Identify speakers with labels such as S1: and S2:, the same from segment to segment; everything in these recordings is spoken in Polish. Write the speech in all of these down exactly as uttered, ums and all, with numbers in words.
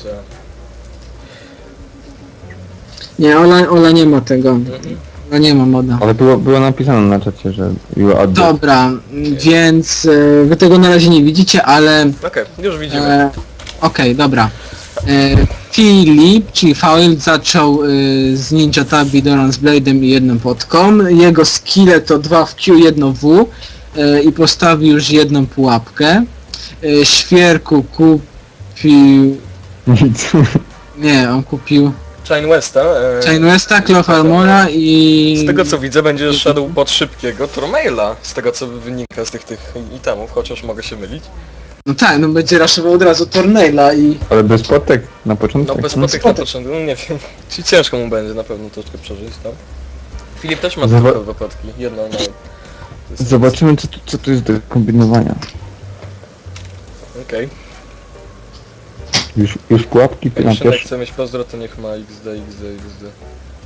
S1: że...
S2: Nie, Ola, Ola nie ma tego.
S1: Mhm.
S2: Ola nie ma moda.
S3: Ale było, było napisane na czacie, że you are dead.
S2: Dobra, więc e, wy tego na razie nie widzicie, ale...
S1: Okej, już widzimy.
S2: E, Okej, dobra. E, Filip, czyli Fail, zaczął e, z Ninja Tabi, Doran z Blade'em i jedną podką. Jego skille to dwa w Q, jedno w e, i postawił już jedną pułapkę. E, Świerku kupił...
S3: Nic.
S2: Nie, on kupił
S1: Chain Westa. E,
S2: Chain Westa, Cloth Armora i...
S1: Z tego co widzę będzie szedł pod szybkiego Tormaila, z tego co wynika z tych tych itemów, chociaż mogę się mylić.
S2: No tak, no będzie raszował od razu Tornaila i...
S3: Ale bez potek na początku.
S1: No bez
S2: no
S1: potek na
S2: spotek.
S1: początku, no nie wiem, czy ciężko mu będzie na pewno troszkę przeżyć tam. Filip też ma
S3: Zoba-
S1: tylko dwa potki, jedno na...
S3: Zobaczymy co, tu- co tu jest do kombinowania.
S1: Okej,
S3: Już, już pułapki
S1: okay.
S3: na
S1: Jak Szymek
S3: pierwszy.
S1: chce mieć pozdro, to niech ma X D, X D, X D.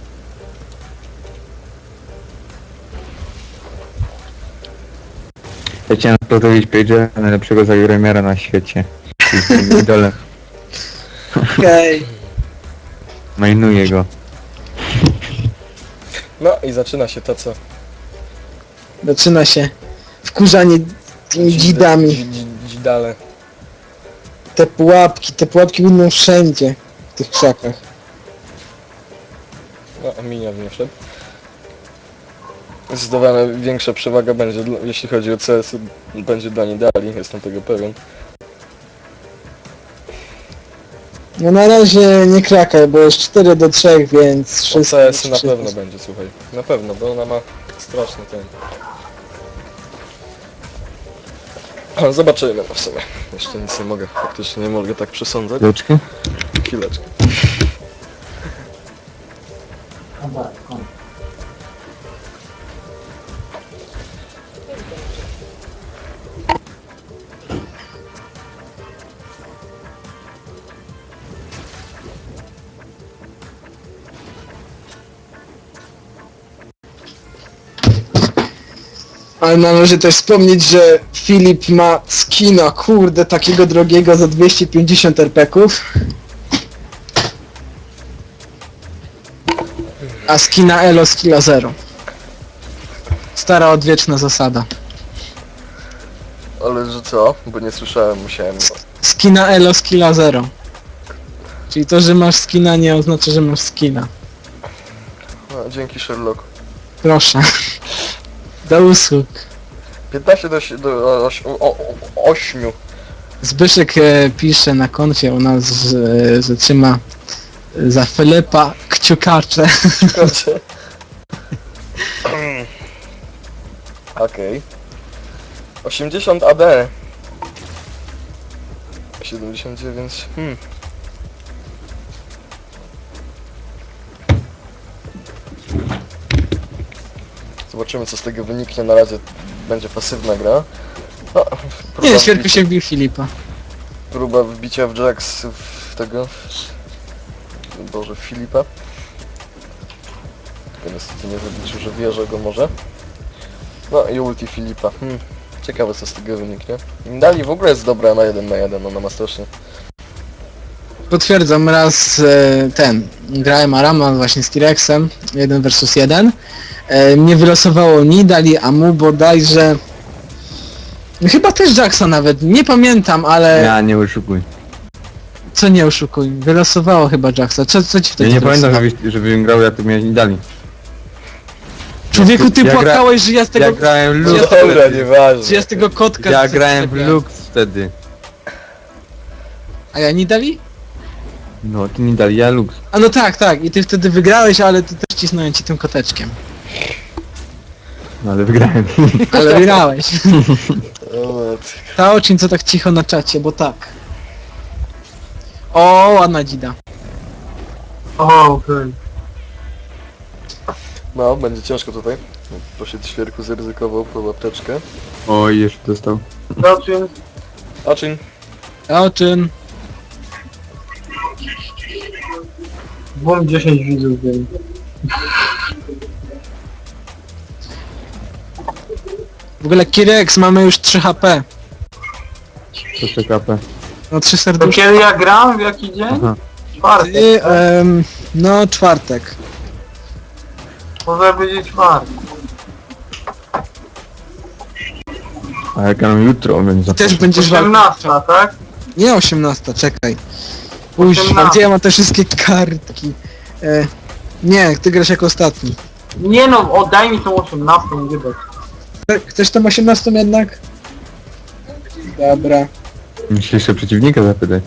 S3: Ja chciałem pozdrowić Page'a, najlepszego zagremiara na świecie. Jest idolem.
S2: Okej.
S3: Mainuję go.
S1: No i zaczyna się to co...
S2: Zaczyna się wkurzanie tymi dzidami.
S1: Dzi- dzi- Dzidale.
S2: Te pułapki, te pułapki będą wszędzie w tych krzakach.
S1: No, minion nie wszedł. Zdecydowanie większa przewaga będzie, dla- jeśli chodzi o C S, będzie dla Nidali, jestem tego pewien.
S2: No na razie nie krakaj, bo jest cztery do trzech, więc
S1: O
S2: wszystko...
S1: C S na
S2: wszystko-
S1: pewno będzie, słuchaj. Na pewno, bo ona ma straszny ten... O, zobaczymy no w sumie. Jeszcze nic nie mogę, faktycznie nie mogę tak przesądzać.
S3: Chwileczkę.
S1: Chwileczkę.
S2: Ale należy też wspomnieć, że Filip ma skina, kurde, takiego drogiego za dwieście pięćdziesiąt er pe ków. A skina Elo skilla zero. Stara odwieczna zasada.
S1: Ale że co? Bo nie słyszałem, musiałem...
S2: Skina Elo skilla zero. Czyli to, że masz skina nie oznacza, że masz skina.
S1: No, dzięki Sherlock.
S2: Proszę. Do usług.
S1: piętnaście do, si- do oś, o, o, ośmiu.
S2: Zbyszek e, pisze na koncie u nas, że, że trzyma za Filipa kciukacze.
S1: Kurczę. Okej. osiemdziesiąt A D. siedemdziesiąt dziewięć. Hmm. Zobaczymy co z tego wyniknie. Na razie będzie pasywna gra. No, próba
S2: Nie, Świerku
S1: wbicia-
S2: się wbił Filipa.
S1: Próba wbicia w Jax w tego... Boże, w Filipa. Tylko niestety nie wyliczył, że wierzę go może. No i ulti Filipa. Hmm. Ciekawe co z tego wyniknie. Dali w ogóle jest dobra na jeden na jeden, ona ma strasznie.
S2: Potwierdzam, raz e, ten, grałem Arama właśnie z T-Rexem, jeden versus jeden. E, mnie wylosowało Nidali, a mu bodajże... Chyba też Jacksa nawet, nie pamiętam, ale...
S3: Ja nie oszukuj.
S2: Co nie oszukuj, wylosowało chyba Jacksa. Co, co ci
S3: Ja
S2: wtedy
S3: nie pamiętam,
S2: wylosowało?
S3: żebyś, żebym grał, jak to mnie nie dali.
S2: Człowieku, ty
S3: Ja gra-
S2: płakałeś, że ja z tego...
S3: Ja grałem
S2: że
S3: Lux
S2: ja, z tego-
S1: Dobra,
S3: wtedy.
S1: nieważne.
S2: że ja z tego kotka...
S3: Ja
S2: z-
S3: grałem w
S2: z-
S3: Lux wtedy.
S2: A ja Nidali?
S3: No, ty nie dali, ja Lux.
S2: A no tak, tak, i ty wtedy wygrałeś, ale ty też cisnąłem ci tym koteczkiem.
S3: No ale wygrałem.
S2: Ale wygrałeś.
S1: O,
S2: Ta oczyn co tak cicho na czacie, bo tak. O, ładna dzida.
S4: O, okej.
S1: no, będzie ciężko tutaj. Poszedł Świerku, zaryzykował po apteczkę.
S3: Oj, jeszcze dostał.
S4: Zobaczmy.
S1: Oczyn.
S2: Oczyn.
S4: Mam dziesięć widzów, więc...
S2: W ogóle Kirex, mamy już trzy H P.
S3: To C K P.
S2: No trzy
S4: To
S2: serduszki.
S4: kiedy ja gram? W jaki dzień?
S3: Aha.
S4: Czwartek.
S2: Ty, em, no czwartek.
S4: Może być czwartek.
S3: A jak ja mam jutro, więc za
S2: Też będziesz walczył.
S4: osiemnasta, tak?
S2: Nie osiemnasta, czekaj. Kuźwa,
S4: osiemnasta.
S2: gdzie ja mam te wszystkie kartki? E, nie, ty grasz jako ostatni.
S4: Nie no, oddaj mi tą osiemnastą, nie dać.
S2: Chce- Chcesz tą osiemnastą jednak? Dobra.
S3: Musisz jeszcze przeciwnika zapytać.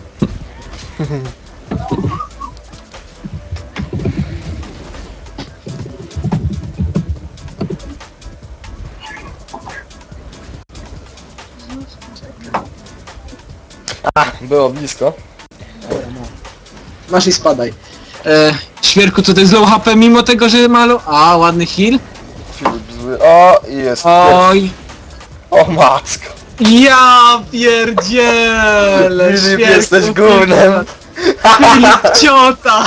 S1: Było blisko.
S2: Masz i spadaj. E, Świerku, to to jest low H P mimo tego, że ma low... A, ładny heal.
S1: Filip zły. O, i jest.
S2: Oj.
S1: O matko.
S2: Ja pierdzielę!
S1: Filip,
S2: Świerku,
S1: jesteś gównem.
S2: Filip ciota!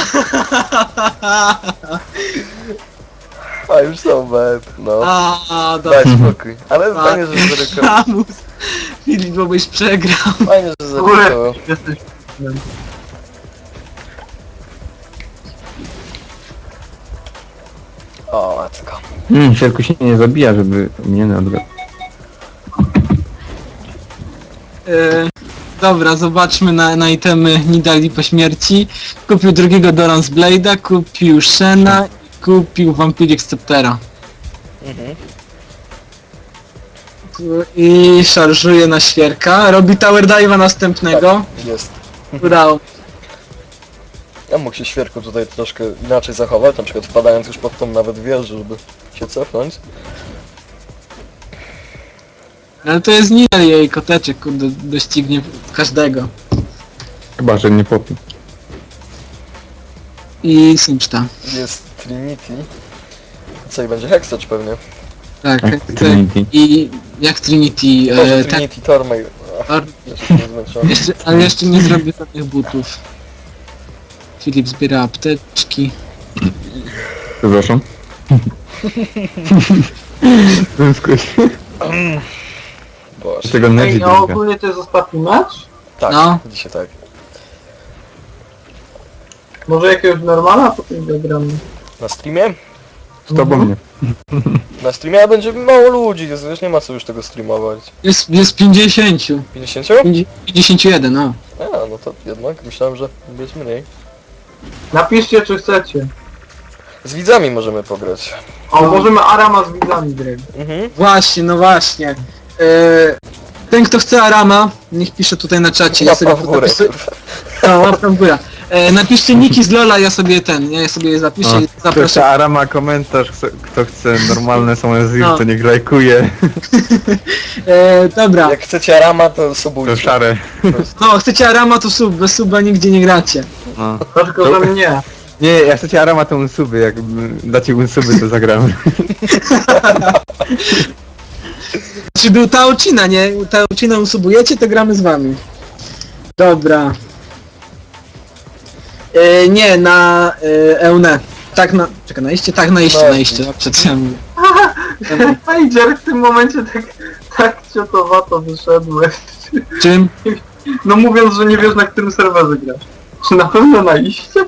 S1: A już są bad. No.
S2: A,
S1: Daj
S2: dobra.
S1: spokój. Ale fajnie, że zarykował.
S2: Ramus. Filip, bo byś przegrał.
S1: Fajnie, że zarykował.
S4: Jesteś...
S1: O matko.
S3: Hmm, Sierku się nie zabija, żeby mnie odgrać.
S2: E, dobra, zobaczmy na, na itemy Nidali po śmierci. Kupił drugiego Doran's Blade'a, kupił Shena i kupił Vampiric Sceptera.
S1: Mhm.
S2: I szarżuje na świerka. Robi Tower Dive'a następnego.
S1: Jest.
S2: Udało.
S1: Ja mógł się świerku tutaj troszkę inaczej zachować, na przykład wpadając już pod tą nawet wieżę, żeby się cofnąć.
S2: Ale to jest Nidal jej koteczek, kurde, doścignie każdego.
S3: Chyba, że nie popi.
S2: I Simchta.
S1: Jest Trinity. Co i będzie Hextouch pewnie.
S2: Tak,
S3: Jak
S2: tak.
S3: Trinity.
S2: I jak Trinity,
S1: Może
S2: e, tak,
S1: Trinity Tormay.
S2: Tor-
S1: Jeszcze nie zmęczony.
S2: jeszcze, ale jeszcze nie zrobię żadnych butów. Filip zbiera apteczki.
S3: Przepraszam. Zęskłeś.
S1: Boże.
S3: Tego
S4: Ej,
S3: Neji
S4: no ogólnie to jest ostatni mecz?
S1: Tak,
S2: No.
S1: dzisiaj tak.
S4: Może jakiegoś normala, potem zagramy.
S1: Na streamie?
S3: Z tobą nie.
S1: Na streamie będzie mało ludzi, więc wiesz, nie ma co już tego streamować.
S2: Jest, jest pięćdziesiąt.
S1: pięćdziesiąt?
S2: pięćdziesiąt jeden, no.
S1: A, no to jednak myślałem, że będzie mniej.
S4: Napiszcie, czy chcecie.
S1: Z widzami możemy pograć.
S4: O, możemy Arama z widzami grać.
S1: Mhm.
S2: Właśnie, no właśnie. E, ten kto chce Arama, niech pisze tutaj na czacie. Ja sobie
S1: Łapa w górę.
S2: zapisuję- No, łapka w górę. E, napiszcie niki z Lola, ja sobie ten, ja sobie je zapiszę
S3: O,
S2: i
S3: Proszę,
S2: zapraszam.
S3: Ara ma komentarz, kto, kto chce normalne są z
S2: No.
S3: to niech lajkuje.
S2: E, dobra.
S1: Jak chcecie Arama, to
S3: To
S1: subujcie.
S3: szare.
S2: No, chcecie Arama to sub, bez suba nigdzie nie gracie.
S3: No.
S4: To tylko, że mnie.
S3: Nie, jak chcecie Arama to unsuby, jak mm, dacie unsuby to zagramy.
S2: Czy był Taocina, nie? Taocina usubujecie, to gramy z wami. Dobra. E, nie, na e, Eune. Tak na... Czekaj, na iście? Tak, na iście,
S1: No,
S2: na iście. Dobrze, co ja mówię.
S4: Pager, w tym momencie tak, tak ciotowato wyszedłeś.
S2: Czym?
S4: No mówiąc, że nie wiesz, na którym serwerze grasz. Czy na pewno na iście?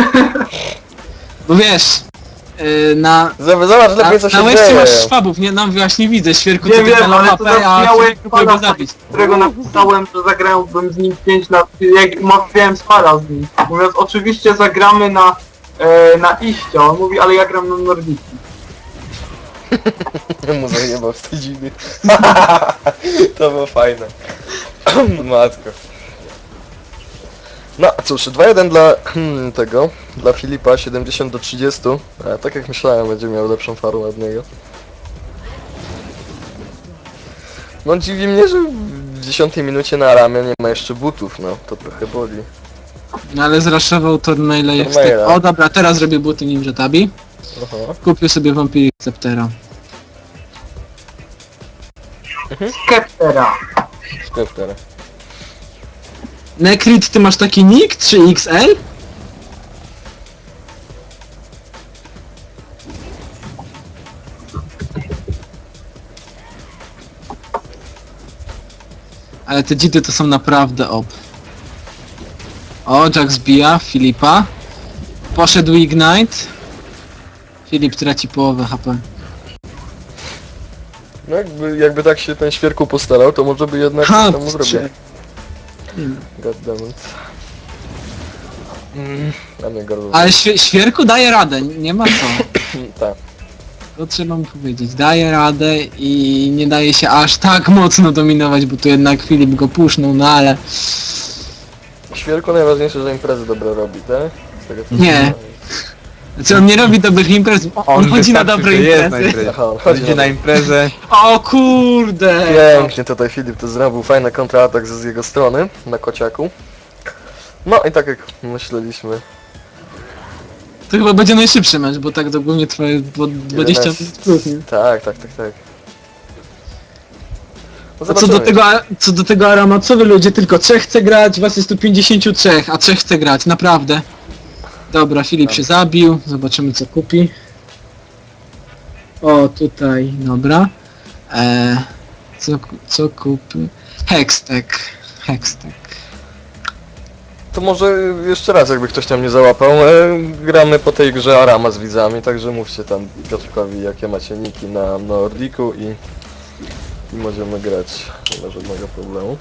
S2: Bo wiesz, e, na...
S1: Zobacz, zobacz
S2: Na,
S1: lepiej co się
S2: na łebcie
S1: dzieje.
S2: masz szwabów, nie? No właśnie widzę, świerku,
S4: Nie
S2: ty
S4: wiem,
S2: na
S4: ale to
S2: mapę, a
S4: zabrzmiałeś
S2: Świerku próbuje go
S4: pana,
S2: zabić.
S4: którego napisałem, że zagrałbym z nim pięć na... jak umawiałem spara z nim. Mówiąc, oczywiście zagramy na... E, na iście. On mówi, ale ja gram na Nordicji.
S1: Mu zajebał z tej dziwny. To było fajne. Matko. No cóż, dwa jeden dla hmm, tego, dla Filipa, siedemdziesiąt do trzydziestu. A, tak jak myślałem, będzie miał lepszą farmę od niego. No dziwi mnie, że w dziesiątej minucie na ramię nie ma jeszcze butów, no to trochę boli.
S2: No ale zraszował Tormaila jak
S1: Tormaila.
S2: styk. O dobra, teraz robię buty Ninja Tabi.
S1: Aha.
S2: Kupił sobie Vampiric Sceptera.
S4: Skeptera.
S1: Skepter.
S2: Nekrit, ty masz taki nick? trzy X L? Ale te dzity to są naprawdę op. O, Jack zbija Filipa. Poszedł Ignite. Filip traci połowę H P.
S1: No jakby, jakby tak się ten świerku postarał, to może by jednak
S2: Ha,
S1: temu zrobił.
S2: prze- Hmm.
S1: Goddammit. Mm, a mnie gardło.
S2: Ale świe świerku daje radę, nie ma co.
S1: Tak.
S2: To trzeba mu powiedzieć. Daje radę i nie daje się aż tak mocno dominować, bo tu jednak Filip go pusznął, no ale...
S1: Świerku najważniejsze, że imprezy dobre robi, tak? Z tego co
S2: Nie.
S1: słyszałem.
S2: Znaczy on nie robi dobrych imprez, on chodzi na
S3: wystarczy,
S2: dobre
S3: że jest na
S2: imprezy.
S3: imprezie.
S1: Aha, on
S3: Chodzi
S1: chodzi na
S3: na imprezę.
S2: O kurde!
S1: Pięknie tutaj Filip to zrobił, fajny kontratak z jego strony, na kociaku. No i tak jak myśleliśmy,
S2: To chyba będzie najszybszy mecz, bo tak ogólnie trwa dwa- dwadzieścia minut plus, nie?
S1: tak, tak, tak, tak. No
S2: A co do
S1: zobaczymy.
S2: tego, co do tego Arama, co wy ludzie, tylko trzech chce grać, was jest tu pięćdziesiąt trzy, a trzech chce grać, naprawdę. Dobra, Filip się zabił, zobaczymy co kupi. O, tutaj, dobra. Eee, co, co kupi? Hextech, Hextech.
S1: To może jeszcze raz, jakby ktoś tam nie załapał, e, gramy po tej grze Arama z widzami, także mówcie tam Piotrkowi, jakie macie niki na Nordiku i, i możemy grać, nie ma żadnego problemu.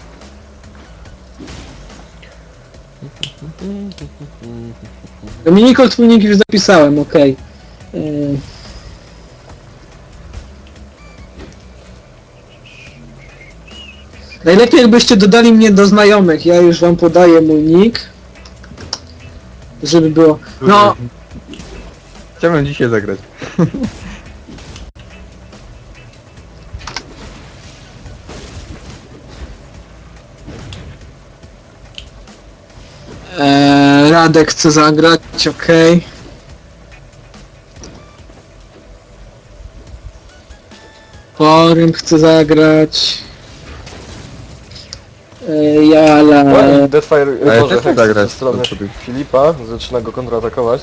S2: Dominiko, twój nick już zapisałem, okej. Eee. Najlepiej jakbyście dodali mnie do znajomych, ja już wam podaję mój nick. Żeby było... No,
S3: Chciałbym dzisiaj zagrać.
S2: Eee, Radek chce zagrać, okej. Porym chce zagrać. Eee, Jala...
S1: No i Deathfire,
S3: Ale
S1: może
S3: też
S1: Hex
S3: zagrać.
S1: ze strony Filipa, zaczyna go kontratakować.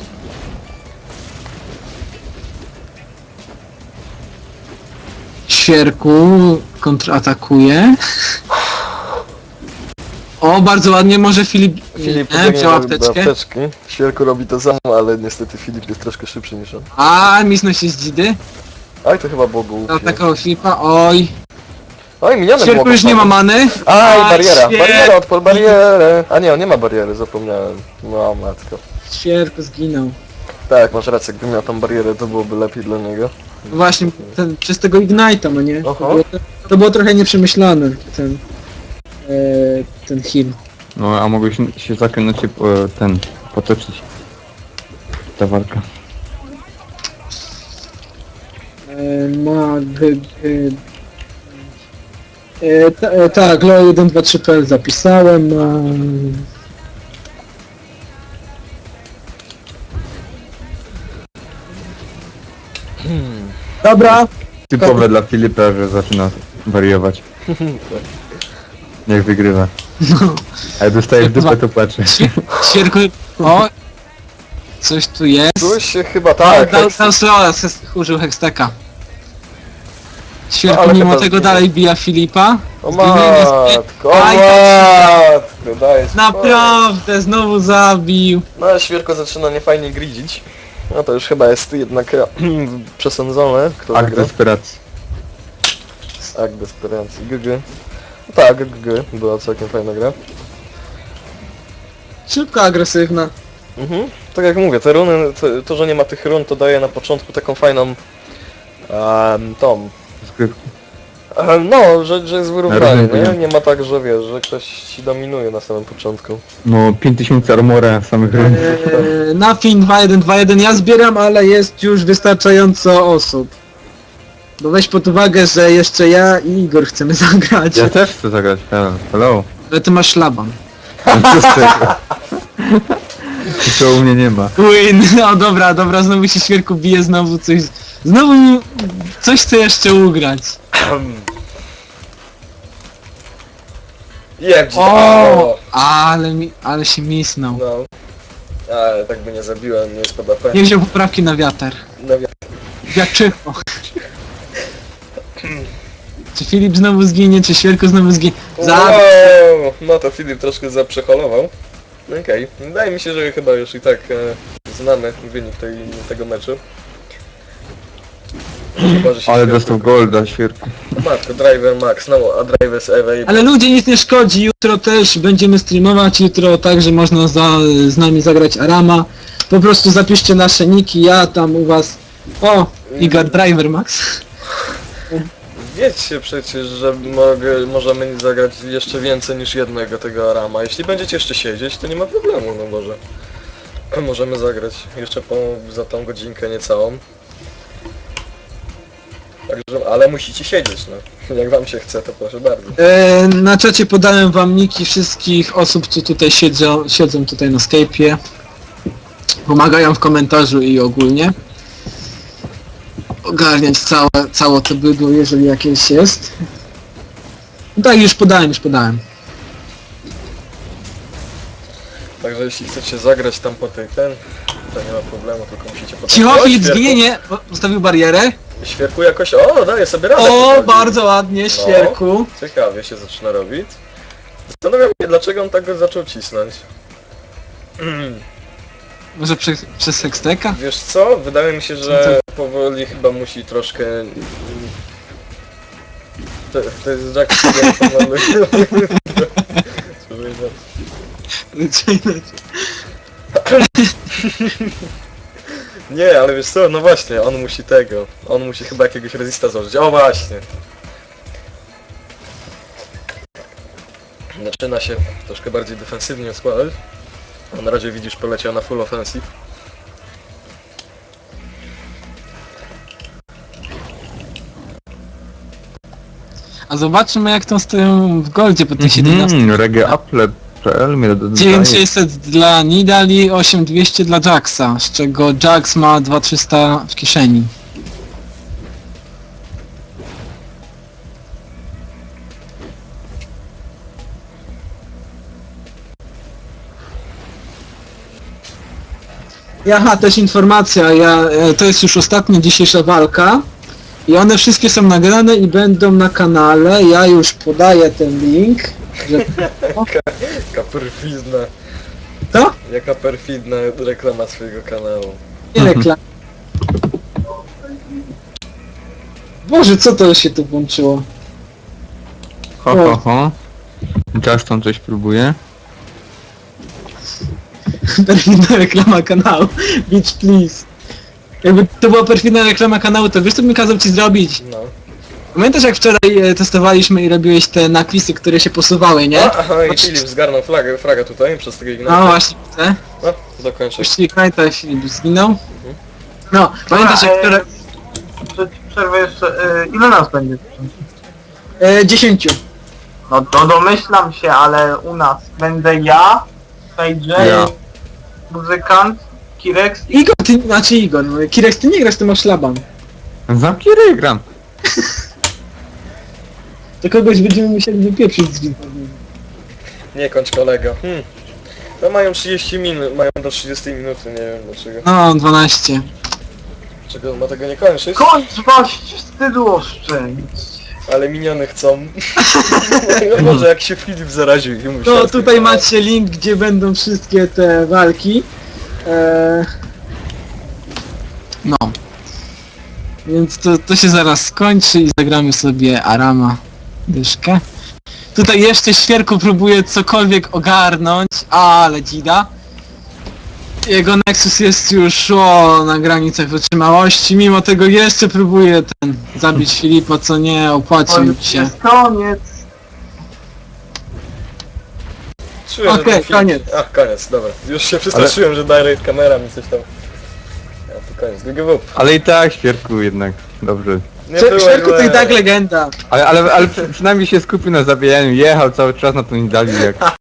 S2: Świerku kontratakuje. O, bardzo ładnie, może Filip...
S1: Filip
S2: nie,
S1: pobiegnie
S2: wziął
S1: do, do
S2: apteczkę.
S1: apteczki. Świerku robi to samo, ale niestety Filip jest troszkę szybszy niż on.
S2: A, misnął się z dzidy.
S1: Aj, to chyba było głupie.
S2: Zaatakował Filipa, oj.
S1: Oj, miniony
S2: Świerku już nie ma many.
S1: Aj,
S2: Aj,
S1: bariera,
S2: świer-
S1: bariera, odpal barierę. A nie, on nie ma bariery, zapomniałem. No matko.
S2: Świerku zginął.
S1: Tak, masz rację, gdybym miał tą barierę, to byłoby lepiej dla niego.
S2: Właśnie, ten, przez tego Ignite'a, no nie? To
S1: Aha.
S2: było, to było trochę nieprzemyślane, ten... E, ten heal.
S3: No a mogłeś się zakręcić się po, ten, potoczyć. Ta walka.
S2: E, mag... E, e, ta, e, tak, Lo jeden dwa trzy P L zapisałem. E, Dobra.
S3: Typowe dla Filipa, że zaczyna wariować. Jak wygrywa.
S2: No.
S3: A jak dostaje w dupę, to płacze.
S2: Świerku... O! Coś tu jest.
S1: Coś się chyba
S2: Tak,
S1: tak,
S2: dał,
S1: Hex-
S2: dał slowa, ses- użył Hexteka.
S1: No,
S2: Świerku
S1: ale
S2: mimo
S1: chyba
S2: tego
S1: zginie.
S2: dalej bija Filipa.
S1: O
S2: Zginienie z-
S1: matko, o
S2: Aj,
S1: matko, daj spokój.
S2: Naprawdę, znowu zabił.
S1: No ale Świerko zaczyna niefajnie gridzić. No to już chyba jest jednak przesądzone, kto
S3: Akt
S1: wygra.
S3: desperacji.
S1: Akt desperacji, G G. No tak, G G, była całkiem fajna gra.
S2: Szybko agresywna.
S1: Mhm. Tak jak mówię, te runy, to, to że nie ma tych run, to daje na początku taką fajną um, tą.
S3: Skrypki.
S1: em, No, że, że jest wyrównanie,
S3: Różnie
S1: nie?
S3: wiem.
S1: Nie ma tak, że wiesz, że ktoś ci dominuje na samym początku.
S3: No pięć tysięcy armora samych ryn.
S2: Eee, Nothing dwa jeden dwa jeden ja zbieram, ale jest już wystarczająco osób. Bo weź pod uwagę, że jeszcze ja i Igor chcemy zagrać.
S3: Ja też chcę zagrać, hello. Hello.
S2: Ale ty masz szlaban.
S3: No co z tego? I to u mnie nie ma.
S2: Win! No dobra, dobra, znowu się Świerku bije, znowu coś... Znowu mi coś chce jeszcze ugrać.
S1: Jak ci
S2: O, ale mi, ale się misnął.
S1: No. Ale tak by nie zabiłem, nie jest P D P.
S2: Nie wziął poprawki na wiatr.
S1: No, wi-
S2: Wiaczycho. Czy Filip znowu zginie, czy Świerku znowu zginie? Za...
S1: Wow, no to Filip troszkę zaprzeholował. Okej, wydaje mi się, że chyba już i tak e, znamy wynik tej, tego meczu. Chyba, że się
S3: Ale
S1: świetnie-
S3: dostał golda, świerku.
S1: Matko, Driver Max, no a Driver z Ewej.
S2: Ale ludzie, nic nie szkodzi, jutro też będziemy streamować, jutro także można za, z nami zagrać Arama. Po prostu zapiszcie nasze niki, ja tam u was... O, Igor Driver Max.
S1: Wiecie przecież, że mogę, możemy zagrać jeszcze więcej niż jednego tego Arama. Jeśli będziecie jeszcze siedzieć, to nie ma problemu, no może. Możemy zagrać jeszcze po, za tą godzinkę niecałą. Także, ale musicie siedzieć, no. Jak wam się chce, to proszę bardzo.
S2: E, na czacie podałem wam niki wszystkich osób, co tutaj siedzą, siedzą tutaj na Skype'ie. Pomagają w komentarzu i ogólnie. Ogarniać całe, całe to bydło, jeżeli jakieś jest. No tak, już podałem, już podałem.
S1: Także jeśli chcecie zagrać tam po tej ten, to nie ma problemu, tylko musicie potem...
S2: Cicho,
S1: O,
S2: Filip
S1: świerku-
S2: zginienie! Bo- Zostawił barierę.
S1: Świerku jakoś... O, daje sobie radę.
S2: O,
S1: powoli.
S2: bardzo ładnie, świerku.
S1: Ciekawie się zaczyna robić. Zastanawiam się, dlaczego on tak go zaczął cisnąć.
S2: Może przez, przez Sexteka?
S1: Wiesz co? Wydaje mi się, że powoli chyba musi troszkę... To, to jest Jack, który pomaluje. Nie, ale wiesz co? No właśnie, on musi tego. On musi chyba jakiegoś resista założyć. O właśnie! Zaczyna się troszkę bardziej defensywnie składać. A na razie widzisz, poleciał na full offensive.
S2: A zobaczymy jak to stoją w goldzie po tych siedemnastu.
S3: Mhm, regeapple kropka p l mnie dodaje.
S2: dziewięć tysięcy sześćset dla Nidali, osiem tysięcy dwieście dla Jacksa, z czego Jax ma dwa tysiące trzysta w kieszeni. Aha, też informacja, ja, e, to jest już ostatnia dzisiejsza walka i one wszystkie są nagrane i będą na kanale, ja już podaję ten link, że...
S1: Jaka perfidna,
S2: To?
S1: jaka perfidna reklama swojego kanału.
S2: Nie reklam. Boże, co to się tu włączyło?
S3: Ho, ho, ho. Justin coś próbuje.
S2: Perfidna reklama kanału. Bitch, please. Jakby to była perfidna reklama kanału, to wiesz co bym kazał ci zrobić?
S1: No.
S2: Pamiętasz jak wczoraj e, testowaliśmy i robiłeś te naklisy, które się posuwały, nie?
S1: A, aha, i Filip zgarnął flagę, flagę tutaj przez tego
S2: No
S1: Ignata.
S2: właśnie, widzę.
S1: No, dokończę.
S2: Puścili Knight'a i Filip zginął. No, pamiętasz jak wczoraj...
S4: Przed przerwę jeszcze, y, ile nas będzie?
S2: E, dziesięciu.
S4: No to domyślam się, ale u nas będę ja, Fejdzie,
S3: Ja.
S4: muzykant, Kirex i...
S2: Igor, ty, znaczy Igor, no, Kirex, ty nie grasz, ty masz szlaban.
S3: Zamknij ryj, gram.
S2: To kogoś będziemy musieli wypieprzyć z widowni.
S1: Nie kończ kolego. Hmm. No mają trzydzieści minut, mają do trzydziestej minuty, nie wiem dlaczego.
S2: No, dwanaście.
S1: Dlaczego on ma tego nie kończyć?
S4: Kończ waść, wstydu oszczędź.
S1: Ale miniony chcą. No może jak się Filip zaraził i musiał...
S2: No tutaj macie link, gdzie będą wszystkie te walki. Eee... No. Więc to, to się zaraz skończy i zagramy sobie Arama dyszkę. Tutaj jeszcze Świerku próbuje cokolwiek ogarnąć, ale dzida. Jego Nexus jest już o, na granicach wytrzymałości, mimo tego jeszcze próbuje ten zabić Filipa, co nie
S4: To
S2: opłacił
S4: już
S2: się.
S4: jest koniec.
S1: Czuję, że
S2: Okej,
S1: ten Filip...
S2: koniec.
S1: Ach, koniec, dobra. Już się przestraszyłem, że direct kamera mi coś tam... Ja, to koniec, G G W.
S3: Ale i tak, świerku jednak. Dobrze.
S1: Nie
S2: Sze-
S1: było
S2: Świerku to
S1: źle.
S2: i tak legenda.
S3: Ale, ale, ale przy- przynajmniej się skupił na zabijaniu, jechał cały czas na to nie dali jak